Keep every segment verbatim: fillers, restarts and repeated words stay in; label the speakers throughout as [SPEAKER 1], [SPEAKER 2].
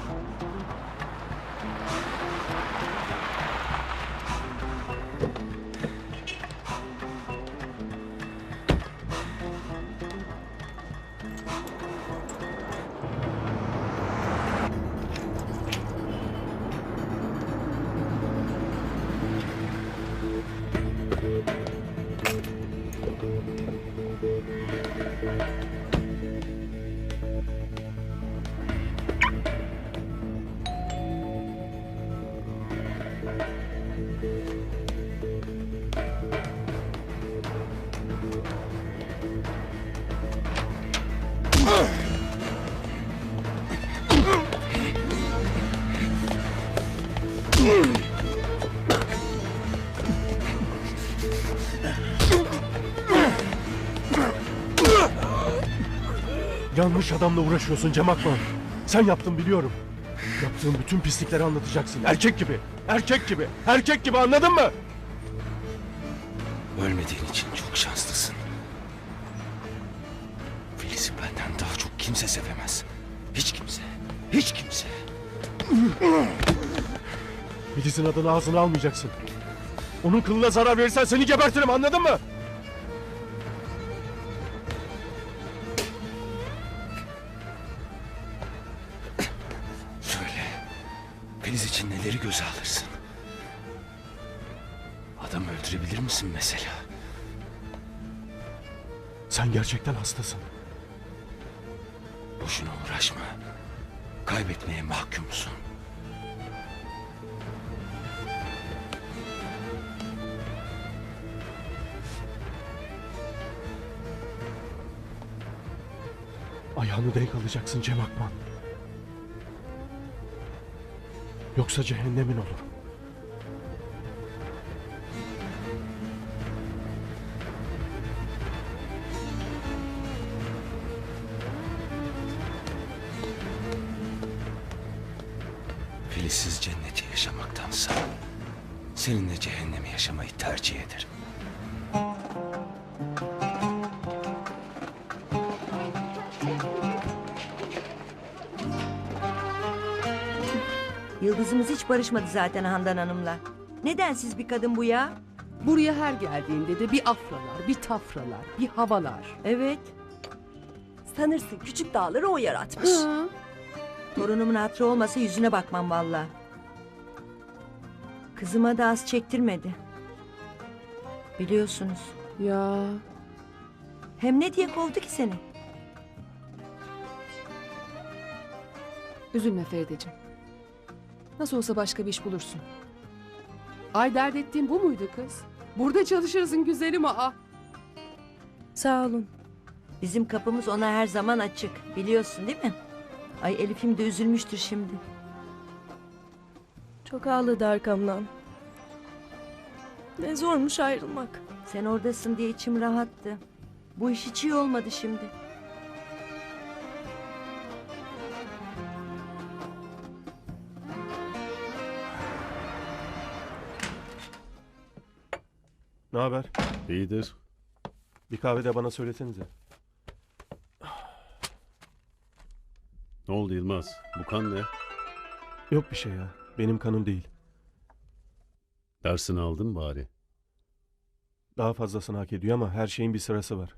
[SPEAKER 1] Yanlış adamla uğraşıyorsun Cem Akman. Sen yaptın biliyorum. Yaptığın bütün pislikleri anlatacaksın. Erkek gibi, erkek gibi, erkek gibi, anladın mı?
[SPEAKER 2] Ölmediğin için çok şanslısın. Filiz'i benden daha çok kimse sevemez. Hiç kimse, hiç kimse.
[SPEAKER 1] Filiz'in adını ağzına almayacaksın. Onun kılına zarar verirsen seni gebertirim, anladın mı?
[SPEAKER 2] Söyle, Filiz için neleri göze alırsın? Adam öldürebilir misin mesela?
[SPEAKER 1] Sen gerçekten hastasın.
[SPEAKER 2] Boşuna uğraşma. Kaybetmeye mahkumsun.
[SPEAKER 1] Ayağını denk alacaksın Cem Akman. Yoksa cehennemin olur.
[SPEAKER 2] Filizsiz cenneti yaşamaktansa seninle cehennemi yaşamayı tercih ederim.
[SPEAKER 3] Yıldızımız hiç barışmadı zaten Handan Hanım'la. Nedensiz bir kadın bu ya?
[SPEAKER 4] Buraya her geldiğinde de bir afralar, bir tafralar, bir havalar.
[SPEAKER 3] Evet.
[SPEAKER 5] Sanırsın küçük dağları o yaratmış.
[SPEAKER 4] Hı.
[SPEAKER 3] Torunumun hatırı olmasa yüzüne bakmam valla. Kızıma da az çektirmedi. Biliyorsunuz.
[SPEAKER 4] Ya
[SPEAKER 3] Hem ne diye kovdu ki seni?
[SPEAKER 4] üzülme Ferideciğim. Nasıl olsa başka bir iş bulursun. Ay dert ettiğin bu muydu kız? Burada çalışırsın güzelim aa.
[SPEAKER 5] Sağ olun.
[SPEAKER 3] Bizim kapımız ona her zaman açık. Biliyorsun değil mi? Ay Elif'im de üzülmüştür şimdi.
[SPEAKER 5] Çok ağladı arkamdan. Ne zormuş ayrılmak.
[SPEAKER 3] Sen oradasın diye içim rahattı. Bu iş hiç iyi olmadı şimdi.
[SPEAKER 1] Ne haber?
[SPEAKER 6] İyidir.
[SPEAKER 1] Bir kahve de bana söylesenize.
[SPEAKER 6] Ne oldu Yılmaz? Bu kan ne?
[SPEAKER 1] Yok bir şey ya. Benim kanım değil.
[SPEAKER 6] Dersini aldın bari.
[SPEAKER 1] Daha fazlasını hak ediyor ama her şeyin bir sırası var.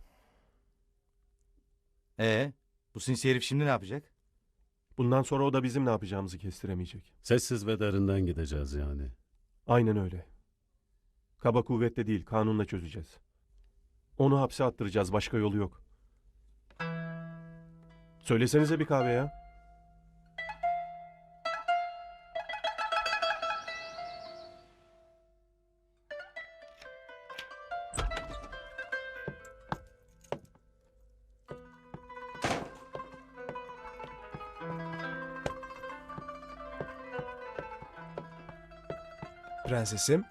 [SPEAKER 7] Ee, bu sinsi herif şimdi ne yapacak?
[SPEAKER 1] Bundan sonra o da bizim ne yapacağımızı kestiremeyecek.
[SPEAKER 6] Sessiz ve derinden gideceğiz yani.
[SPEAKER 1] Aynen öyle. Kaba kuvvetle değil, kanunla çözeceğiz. Onu hapse attıracağız, başka yolu yok. Söylesenize bir kahve ya.
[SPEAKER 8] Prensesim.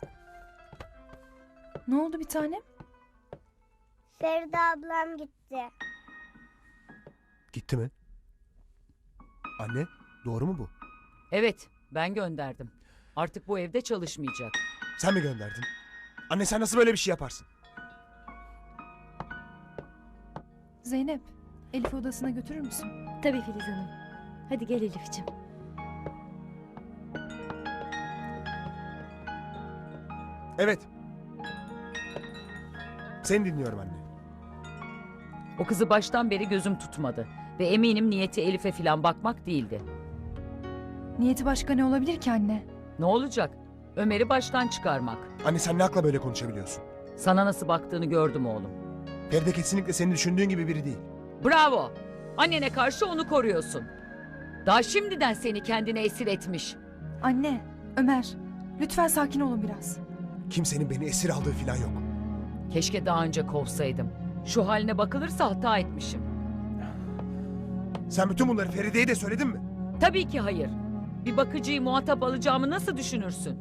[SPEAKER 5] Ne oldu bir tanem?
[SPEAKER 9] Feride ablam gitti.
[SPEAKER 8] Gitti mi? Anne, doğru mu bu?
[SPEAKER 10] Evet, ben gönderdim. Artık bu evde çalışmayacak.
[SPEAKER 8] Sen mi gönderdin? Anne sen nasıl böyle bir şey yaparsın?
[SPEAKER 5] Zeynep, Elif'i odasına götürür müsün?
[SPEAKER 11] Tabii Filiz Hanım. Hadi gel Elif'ciğim.
[SPEAKER 8] Evet. Seni dinliyorum anne.
[SPEAKER 10] O kızı baştan beri gözüm tutmadı. Ve eminim niyeti Elif'e falan bakmak değildi.
[SPEAKER 11] Niyeti başka ne olabilir ki anne?
[SPEAKER 10] Ne olacak? Ömer'i baştan çıkarmak.
[SPEAKER 8] Anne sen ne akla böyle konuşabiliyorsun?
[SPEAKER 10] Sana nasıl baktığını gördüm oğlum.
[SPEAKER 8] Feride kesinlikle senin düşündüğün gibi biri değil.
[SPEAKER 10] Bravo! Annene karşı onu koruyorsun. Daha şimdiden seni kendine esir etmiş.
[SPEAKER 11] Anne, Ömer, lütfen sakin olun biraz.
[SPEAKER 8] Kimsenin beni esir aldığı falan yok.
[SPEAKER 10] Keşke daha önce kovsaydım. Şu haline bakılırsa hata etmişim.
[SPEAKER 8] Sen bütün bunları Feride'ye de söyledin mi?
[SPEAKER 10] Tabii ki hayır. Bir bakıcıyı muhatap alacağımı nasıl düşünürsün?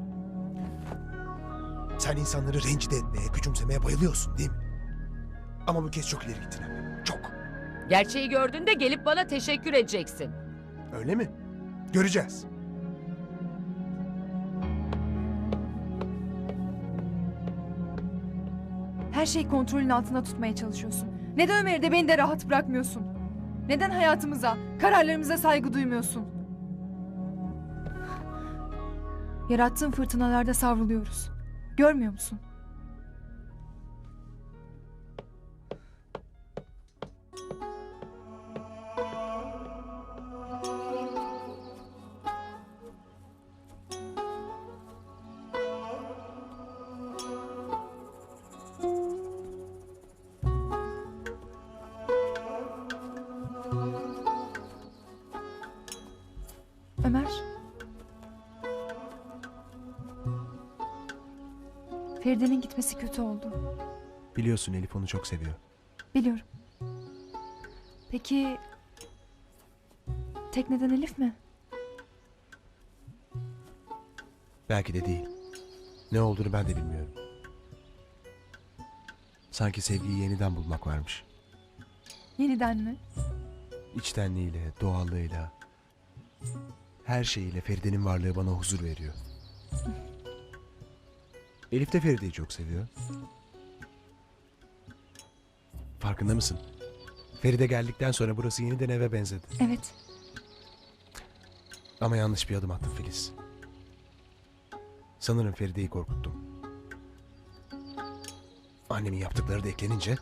[SPEAKER 8] Sen insanları rencide etmeye, küçümsemeye bayılıyorsun değil mi? Ama bu kez çok ileri gittin anne. Çok.
[SPEAKER 10] Gerçeği gördüğünde gelip bana teşekkür edeceksin.
[SPEAKER 8] Öyle mi? Göreceğiz.
[SPEAKER 11] Her şeyi kontrolün altında tutmaya çalışıyorsun. Neden Ömer'i de beni de rahat bırakmıyorsun? Neden hayatımıza, kararlarımıza saygı duymuyorsun? Yarattığın fırtınalarda savruluyoruz. Görmüyor musun? Ömer. Feride'nin gitmesi kötü oldu.
[SPEAKER 8] Biliyorsun Elif onu çok seviyor.
[SPEAKER 11] Biliyorum. Peki... Tek neden Elif mi?
[SPEAKER 8] Belki de değil. Ne olduğunu ben de bilmiyorum. Sanki sevgiyi yeniden bulmak varmış.
[SPEAKER 11] Yeniden mi?
[SPEAKER 8] İçtenliğiyle, doğallığıyla, her şeyiyle Feride'nin varlığı bana huzur veriyor. Elif de Feride'yi çok seviyor. Farkında mısın? Feride geldikten sonra burası yeniden eve benzedi.
[SPEAKER 11] Evet.
[SPEAKER 8] Ama yanlış bir adım attım Filiz. Sanırım Feride'yi korkuttum. Annemin yaptıkları da eklenince...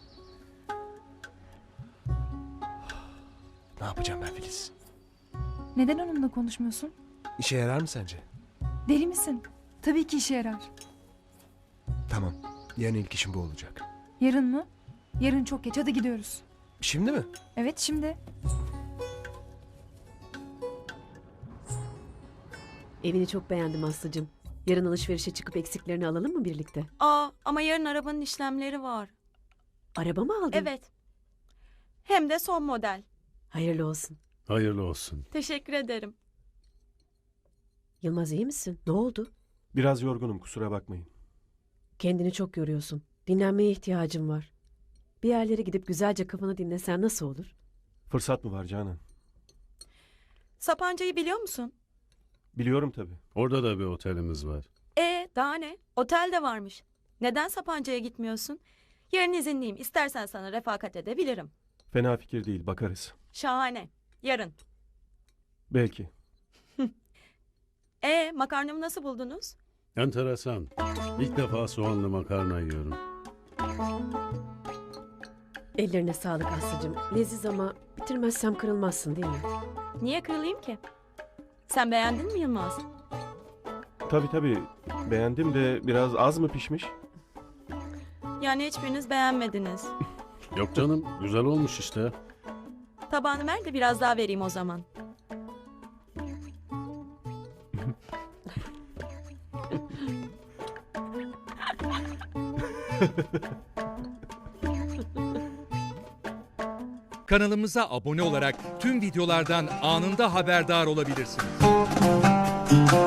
[SPEAKER 8] Ne yapacağım ben Filiz?
[SPEAKER 11] Neden onunla konuşmuyorsun?
[SPEAKER 8] İşe yarar mı sence?
[SPEAKER 11] Deli misin? Tabii ki işe yarar.
[SPEAKER 8] Tamam. Yarın ilk işim bu olacak.
[SPEAKER 11] Yarın mı? Yarın çok geç. Hadi gidiyoruz.
[SPEAKER 8] Şimdi mi?
[SPEAKER 11] Evet şimdi.
[SPEAKER 5] Evini çok beğendim Aslı'cığım. Yarın alışverişe çıkıp eksiklerini alalım mı birlikte?
[SPEAKER 12] Aa, ama yarın arabanın işlemleri var.
[SPEAKER 5] Araba mı aldın?
[SPEAKER 12] Evet. Hem de son model.
[SPEAKER 5] Hayırlı olsun.
[SPEAKER 6] Hayırlı olsun.
[SPEAKER 12] Teşekkür ederim.
[SPEAKER 5] Yılmaz iyi misin? Ne oldu?
[SPEAKER 1] Biraz yorgunum, kusura bakmayın.
[SPEAKER 5] Kendini çok yoruyorsun. Dinlenmeye ihtiyacın var. Bir yerlere gidip güzelce kafanı dinlesen nasıl olur?
[SPEAKER 1] Fırsat mı var Canan?
[SPEAKER 12] Sapanca'yı biliyor musun?
[SPEAKER 1] Biliyorum tabii.
[SPEAKER 6] Orada da bir otelimiz var.
[SPEAKER 12] E, daha ne? Otel de varmış. Neden Sapanca'ya gitmiyorsun? Yarın izinliyim. İstersen sana refakat edebilirim.
[SPEAKER 1] Fena fikir değil, bakarız.
[SPEAKER 12] Şahane. Yarın.
[SPEAKER 1] Belki.
[SPEAKER 12] E, makarnamı nasıl buldunuz?
[SPEAKER 6] Enteresan. İlk defa soğanlı makarna yiyorum.
[SPEAKER 5] Ellerine sağlık Aslı'cığım. Leziz ama bitirmezsem kırılmazsın değil mi?
[SPEAKER 12] Niye kırılayım ki? Sen beğendin mi Yılmaz?
[SPEAKER 1] Tabii tabii. Beğendim de biraz az mı pişmiş?
[SPEAKER 12] Yani hiçbiriniz beğenmediniz.
[SPEAKER 6] Yok canım, güzel olmuş işte.
[SPEAKER 12] Tabağını ver de biraz daha vereyim o zaman.
[SPEAKER 13] Kanalımıza abone olarak tüm videolardan anında haberdar olabilirsiniz.